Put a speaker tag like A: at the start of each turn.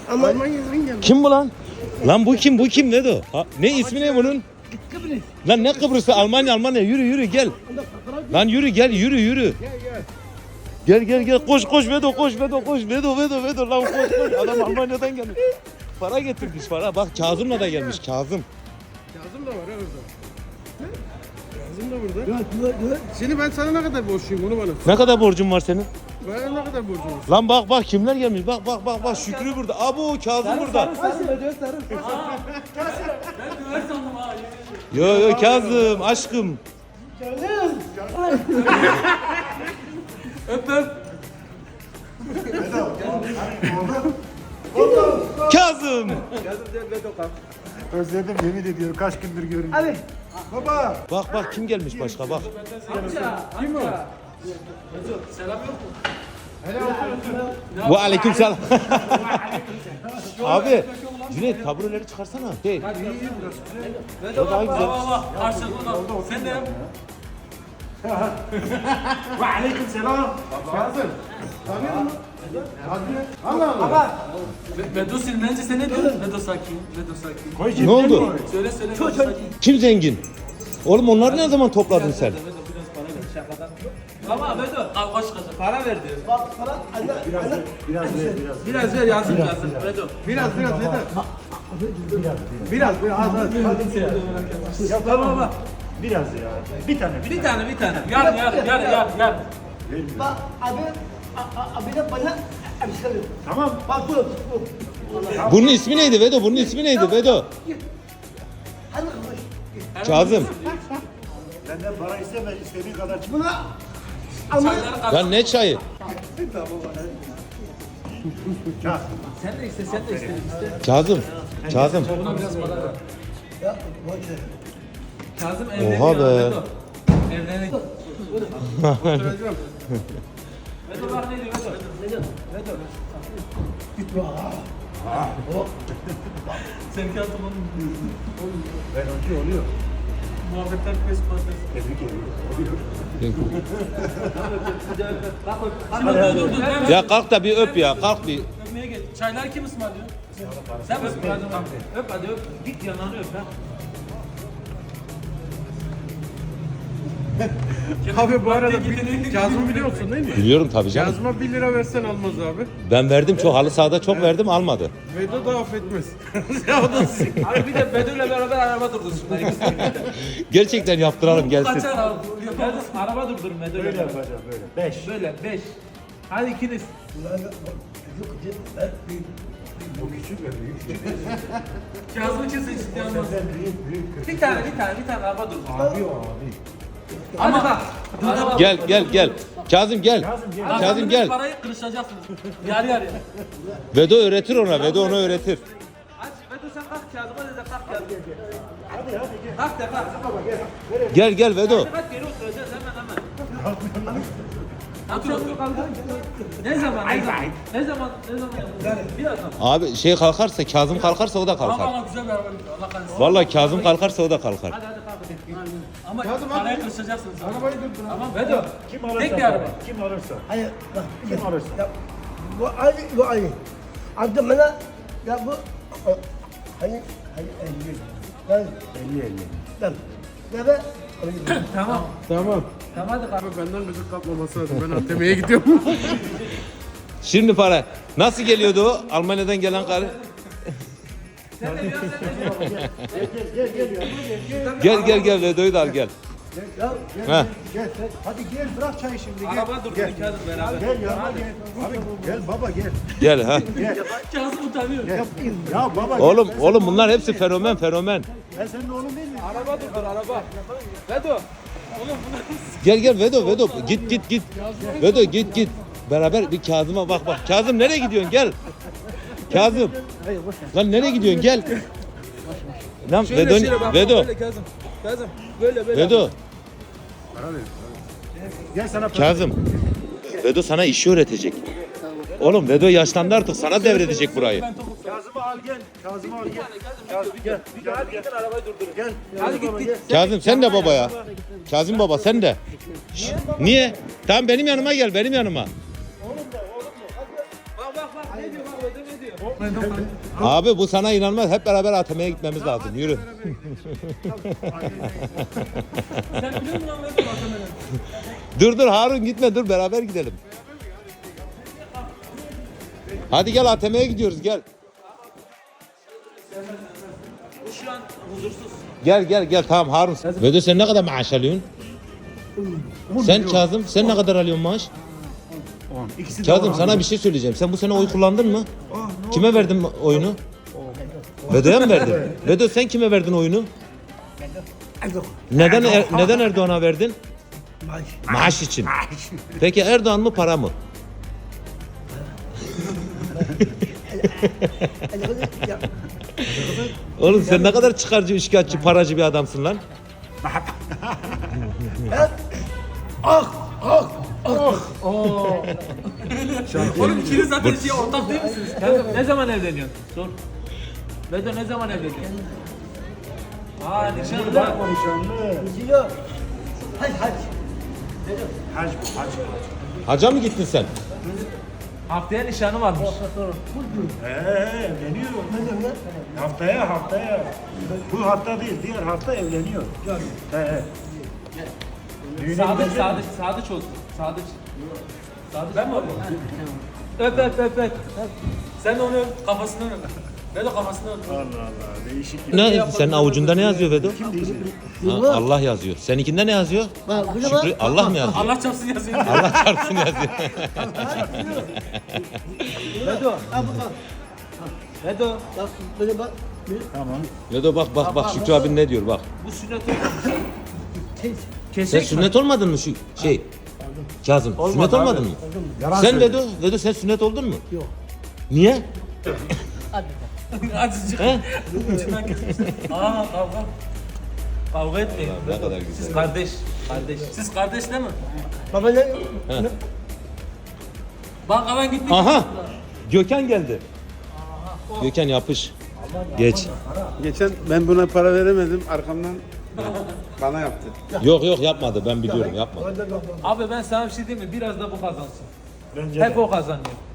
A: Almanya'dan geldi.
B: Kim bu lan? Lan bu kim? Bu kim? Ne de o? Ne ismi ne bunun?
A: Kıbrıs.
B: Lan ne Kıbrıs'ı? Almanya. Yürü gel. Lan yürü gel. Yürü. Gel. Koş Vedo koş. Vedo lan koş. Adam Almanya'dan gelmiş. Para getirmiş para. Bak Kazım'la da gelmiş Kazım.
A: Kazım da var ya orada. Kazım da burada. Şimdi ben sana ne kadar borçluyum onu bana.
B: Ne kadar borcun var senin?
A: Bana ne kadar borcum var?
B: Lan bak kimler gelmiş. Bak Şükrü burada. Abo Kazım burada. Yo Kazım aşkım. Kazım.
C: Özledim yemin ediyorum kaç gündür görmüyorum.
A: Hadi.
C: Baba.
B: Bak kim gelmiş başka bak.
A: Kim o?
B: Ve aleyküm selam. Abi Cüneyt tabureleri çıkarsana. Şey. O daha güzel.
D: Sen de yap.
C: Ve aleyküm selam.
A: Kazım. Tanıyor musun? Allah.
D: Vedo Silmenci sen ne diyorsun? Vedo sakin.
C: Koy
B: Ne oldu?
D: Söyle Vedo sakin.
B: Kim zengin? Oğlum onları ne zaman topladın sen?
D: Vedo biraz para ver şakadan. Ama Vedo al kaç kaç para ver diyor. Biraz ver yazın. Vedo.
A: Biraz yeter. Biraz.
C: Ya baba. Biraz ya. Bir tane.
D: Bir tane. Yar.
E: Bak abi de bana abi söylüyor.
C: Tamam.
E: Bak bu.
B: Bunun ismi neydi Vedo? Vedo.
E: Hadi koş.
B: Kazım.
C: Benden para isteme istediğin kadar çık.
E: Buna ama
D: Çayları kap.
B: Lan ne çayı?
C: Çak.
D: Sen de iste.
B: Kazım.
D: Buna biraz para ver.
E: ya boş ver.
D: Kazım evleniyor.
B: Oha be.
D: Vedo. Evleniyor. Vedo bak ne diyor Vedo. Sen kağıtımın
C: Ben önce oluyor.
D: muhabbetler peş patates.
C: Tebrik ediyorum.
D: Dur.
B: Ya kalk da bir öp ya. Kalk bir.
D: Öpmeye geç. Çaylar kim ısmarlıyor? Sen mi ısmarladın? Öp hadi öp. Git yanağını öp ha.
A: Abi bu arada Kazım'ı biliyorsun değil mi?
B: Biliyorum tabii canım.
A: Kazım'a 1 lira versen almaz abi.
B: Ben verdim çok halı sahada çok verdim almadı.
A: Vedo da affetmez. Ya o da sizin.
D: Abi bir de Bedo'yla beraber araba durdursunlar.
B: Gerçekten yaptıralım gelsin.
D: Kaçar abi. Yapalım. Araba durdurun Bedo'yla
C: Böyle
D: beraber.
C: yapacağım böyle. 5.
D: Böyle 5. Hadi ikiniz.
C: Bu küçük ve büyük.
D: Kazım'ı kesin ciddi almaz.
C: Senden büyük.
D: Bir tane araba durdur.
C: Abi o abi.
D: Ama bak. Araba
B: Gel. Kazım gel. Kazım gel.
D: Parayı kırışacaksınız. Yarı.
B: Vedo öğretir ona. Vedo ona öğretir.
D: Aç Bedo sen kalk Kazım'a de kalk Kazım.
C: Hadi gel.
D: Kalk de kalk.
B: Gel Vedo.
D: Kalk geri oturacağız hemen. Otur. Ne zaman? Birazdan.
B: Abi şey kalkarsa Kazım kalkarsa o da kalkar.
D: Ama güzel bir araba gidiyor. Allah kahretsin.
B: Vallahi Kazım kalkarsa o da kalkar.
D: Hadi kalk. Ama parayı kırışacaksınız.
A: Arabayı durdur.
D: Tamam Bedo.
C: Kim alırsa.
D: Tek bir araba.
C: Kim alırsa.
E: Hayır bak.
C: Kim alırsa.
E: Ya, bu Ali. Abi bana ya bu hani 50. Ben
C: 50-50.
E: ben. Ya ben
D: Tamam.
A: Tamam.
D: Tamam hadi kalk.
A: Abi benden gıcık kapmaması lazım. Ben ATM'ye gidiyorum.
B: Şimdi para. Nasıl geliyordu o? Almanya'dan gelen karı. Gel Vedo'yu da al gel. Ha.
C: Gel. Hadi gel bırak çayı şimdi gel.
D: Araba durdur Kazım beraber.
C: Gel yanıma gel. Abi gel baba gel.
B: Gel ha.
D: Kazım utanıyor.
C: Gel. Ya baba gel.
B: Oğlum bunlar hepsi fenomen.
C: Ben senin oğlun değil mi?
D: Araba durdur araba. Bedo.
B: Gel Vedo. Git. Vedo git. Beraber bir Kazım'a bak. Kazım nereye gidiyorsun? Gel. Kazım. Lan nereye gidiyorsun? Gel. Lan Vedo.
D: Kazım. Böyle.
B: Vedo.
C: Gel sana para.
B: Kazım. Vedo sana işi öğretecek. Oğlum Vedo yaşlandı artık sana devredecek burayı.
C: Kazım'ı al gel. Kazım'ı al gel. Gel.
D: Hadi gidin arabayı durdurun.
C: Gel.
D: Hadi git.
B: Kazım sen de baba ya. Kazım baba sen de. Niye? Tamam benim yanıma gel.
D: Bak ne diyor bak Bedo ne diyor.
B: Abi bu sana inanmaz. Hep beraber ATM'ye gitmemiz lazım. Yürü.
D: Sen biliyor musun lan Vedo ATM'den?
B: Dur Harun gitme dur beraber gidelim. Hadi gel ATM'ye gidiyoruz gel.
D: Bu şu an huzursuz.
B: Gel tamam Harun. Vedo sen ne kadar maaş alıyorsun? Sen Kazım sen ne kadar alıyorsun maaş?
C: İkisi de
B: Kazım sana bir şey söyleyeceğim. Sen bu sene oy kullandın mı? Kime verdin oyunu? Vedo'ya mı verdin? Vedo sen kime verdin oyunu? Neden Erdoğan'a verdin?
E: Maaş.
B: Maaş için. Peki Erdoğan mı para mı?
E: Ya,
B: Oğlum sen ne kadar çıkarcı, üçkağıtçı, paracı bir adamsın lan.
D: Oğlum ikiniz zaten şey ortak değil misiniz? Kanka ne zaman evleniyorsun? Sor. Vedo ne zaman evleniyorsun? Aa nişanlı da.
E: gidiyor. Hac.
C: Hac bu hac.
B: Hacca mı gittin sen?
D: Haftaya nişanı varmış.
C: Evleniyor. Haftaya. Bu hafta değil, diğer hafta evleniyor. Düğüne gidecek.
D: Sadıç olsun. Sadıç. Ben mi alayım? Öp. Sen de onu öp, kafasını öp. Vedo kafasını öp.
C: Allah Allah, değişik.
B: Ne? Senin avucunda ne yazıyor Vedo?
C: Kim diyecek?
B: Ha, Allah yazıyor. Seninkinde ne yazıyor?
E: Bak burada bak.
B: Şükrü, Allah mı yazıyor?
D: Allah çarpsın yazıyor.
B: Allah çarpsın yazıyor.
D: Vedo. Vedo.
E: Bak böyle bak.
C: Tamam.
B: Vedo bak Şükrü abin ne diyor bak.
D: Bu sünnet olmamış.
E: Kes.
B: Sen
D: Kesek mi?
B: sünnet olmadın mı şu şey? Kazım sünnet olmadın mı? Sen Vedo sen sünnet oldun mu?
E: Yok.
B: Niye?
D: Azıcık.
B: He?
D: İçinden kesmişler. Aa kavga. Kavga etmeyin.
B: Ne kadar güzel.
D: Siz kardeş. Siz kardeş değil mi?
E: Baba ne?
D: Bankadan gittik.
B: Aha! Gökhan geldi. Gökhan yapış. Geç.
A: Geçen ben buna para veremedim. Arkamdan bana yaptı.
B: Yok yapmadı ben biliyorum yapmadı.
D: Abi ben sana bir şey diyeyim mi? Biraz da bu kazansın.
C: Bence
D: Hep
C: de.
D: o kazanıyor.